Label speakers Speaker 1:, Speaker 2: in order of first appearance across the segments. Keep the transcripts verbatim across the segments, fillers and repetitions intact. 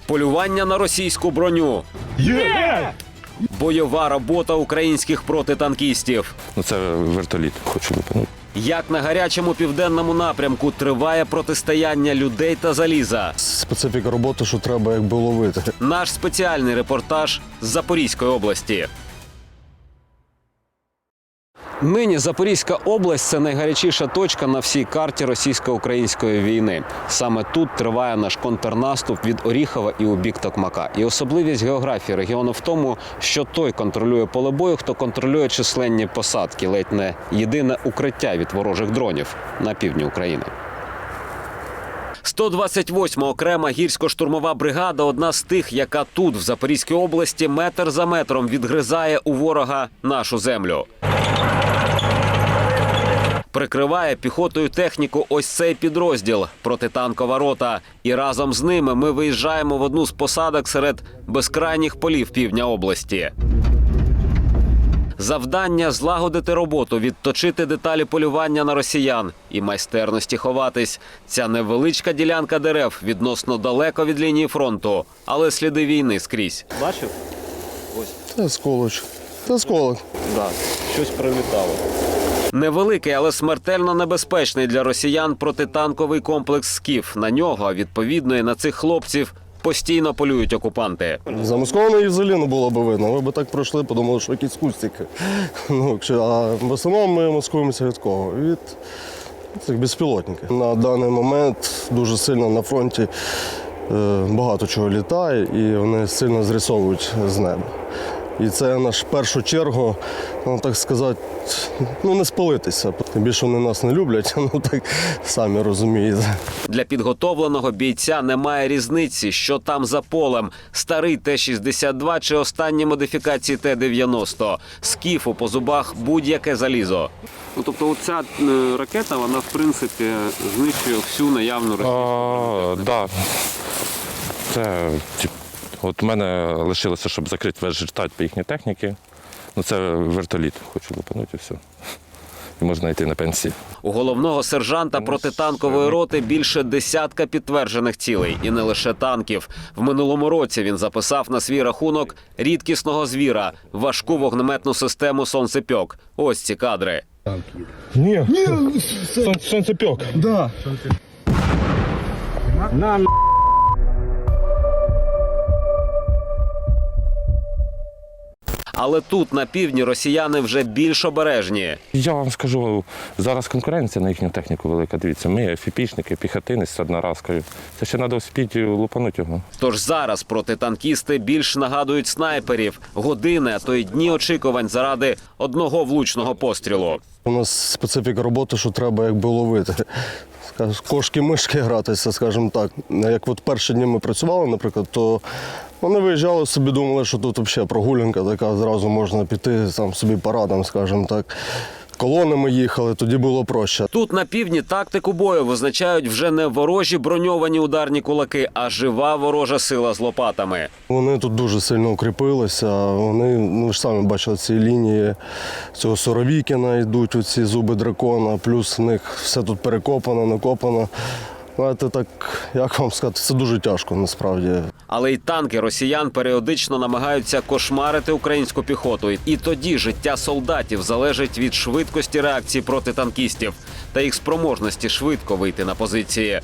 Speaker 1: Полювання на російську броню.
Speaker 2: Є!
Speaker 1: Бойова робота українських протитанкістів.
Speaker 3: Ну це вертоліт, хочу лупанути.
Speaker 1: Як на гарячому південному напрямку триває протистояння людей та заліза.
Speaker 2: Специфіка роботи, що треба якби ловити.
Speaker 1: Наш спеціальний репортаж з Запорізької області. Нині Запорізька область – це найгарячіша точка на всій карті російсько-української війни. Саме тут триває наш контрнаступ від Оріхова і у бік Токмака. І особливість географії регіону в тому, що той контролює поле бою, хто контролює численні посадки, ледь не єдине укриття від ворожих дронів на півдні України. сто двадцять восьма окрема гірсько-штурмова бригада – одна з тих, яка тут, в Запорізькій області, метр за метром відгризає у ворога нашу землю. Прикриває піхотою техніку ось цей підрозділ – протитанкова рота. І разом з ними ми виїжджаємо в одну з посадок серед безкрайніх полів півдня області. Завдання – злагодити роботу, відточити деталі полювання на росіян і майстерності ховатись. Ця невеличка ділянка дерев відносно далеко від лінії фронту, але сліди війни скрізь. Бачив? Ось.
Speaker 2: Це сколоч. Це сколок.
Speaker 1: Да, щось прилітало. Невеликий, але смертельно небезпечний для росіян протитанковий комплекс «Скіф». На нього, відповідно, і на цих хлопців постійно полюють окупанти.
Speaker 2: Замаскованої взагалі не було б видно. Ви б так пройшли, подумали, що якісь кустики. Ну, якщо- а в основному ми маскуємося від кого? Від цих безпілотників. На даний момент дуже сильно на фронті е, багато чого літає і вони сильно зрисовують з неба. І це наш в першу чергу, ну так сказати, ну не спалитися. Тим більше вони нас не люблять, ну так самі розумієте.
Speaker 1: Для підготовленого бійця немає різниці, що там за полем – старий Т шістдесят два чи останні модифікації Т дев'яносто. «Скіфу» по зубах будь-яке залізо. Ну, тобто оця е, ракета, вона в принципі знищує всю наявну російську.
Speaker 3: Так, да. Це, тип, от у мене лишилося, щоб закрити весь жертать по їхній техніці. Ну це вертоліт, хочу лупанути і все. І можна йти на пенсію.
Speaker 1: У головного сержанта протитанкової роти більше десятка підтверджених цілей. І не лише танків. В минулому році він записав на свій рахунок рідкісного звіра – важку вогнеметну систему «Сонцепьок». Ось ці кадри.
Speaker 2: Ні, Сон, сонцепьок. Да. Нам
Speaker 1: Але тут, на півдні, росіяни вже більш обережні.
Speaker 3: Я вам скажу, зараз конкуренція на їхню техніку велика. Дивіться, ми ефіпішники, піхотинець з одноразкою. Це ще треба успіти лупанути його.
Speaker 1: Тож зараз протитанкісти більш нагадують снайперів. Години, а то й дні очікувань заради одного влучного пострілу.
Speaker 2: У нас специфіка роботи, що треба якби ловити. Скаж- Кошки-мишки гратися, скажімо так. Як от перші дні ми працювали, наприклад, то вони виїжджали собі, думали, що тут взагалі прогулянка така, зразу можна піти там собі парадом, скажімо так. Колонами їхали, тоді було проще.
Speaker 1: Тут на півдні тактику бою визначають вже не ворожі броньовані ударні кулаки, а жива ворожа сила з лопатами.
Speaker 2: Вони тут дуже сильно укріпилися, вони, ну ви ж самі бачили, ці лінії цього Суровікіна йдуть, оці зуби дракона, плюс в них все тут перекопано, накопано. Знаєте, так, як вам сказати, це дуже тяжко насправді.
Speaker 1: Але й танки росіян періодично намагаються кошмарити українську піхоту. І тоді життя солдатів залежить від швидкості реакції протитанкістів та їх спроможності швидко вийти на позиції.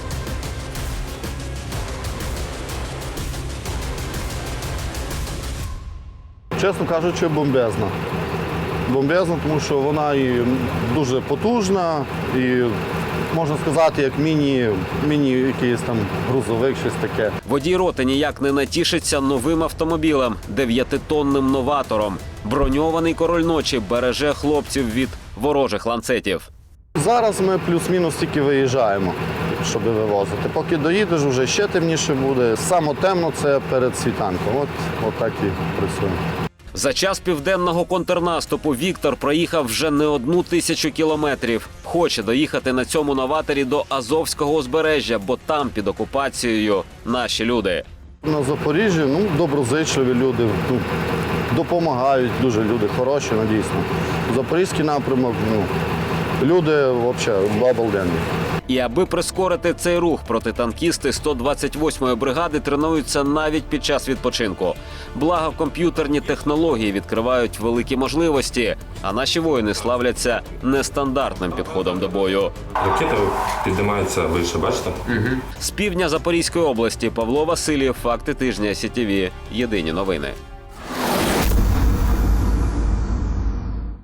Speaker 4: Чесно кажучи, бомбезна. Бомбезна, тому що вона і дуже потужна, і можна сказати, як міні, міні якийсь там грузовик, щось таке.
Speaker 1: Водій роти ніяк не натішиться новим автомобілем – дев'ятитонним новатором. Броньований король ночі береже хлопців від ворожих ланцетів.
Speaker 4: Зараз ми плюс-мінус тільки виїжджаємо, щоб вивозити. Поки доїдеш, вже ще темніше буде. Саме темно – це перед світанком. От, от так і працюємо.
Speaker 1: За час південного контрнаступу Віктор проїхав вже не одну тисячу кілометрів. Хоче доїхати на цьому новаторі до Азовського узбережжя, бо там під окупацією наші люди.
Speaker 4: На Запоріжжі ну, доброзичливі люди, ну, допомагають, дуже люди хороші, ну, дійсно. Запорізький напрямок, ну, люди взагалі обалденні.
Speaker 1: І аби прискорити цей рух, протитанкісти сто двадцять восьмої бригади тренуються навіть під час відпочинку. Благо, комп'ютерні технології відкривають великі можливості, а наші воїни славляться нестандартним підходом до бою.
Speaker 3: Ракета піднімається вище, бачите?
Speaker 1: З півдня Запорізької області Павло Васильєв, факти тижня СІТІВІ. Єдині новини.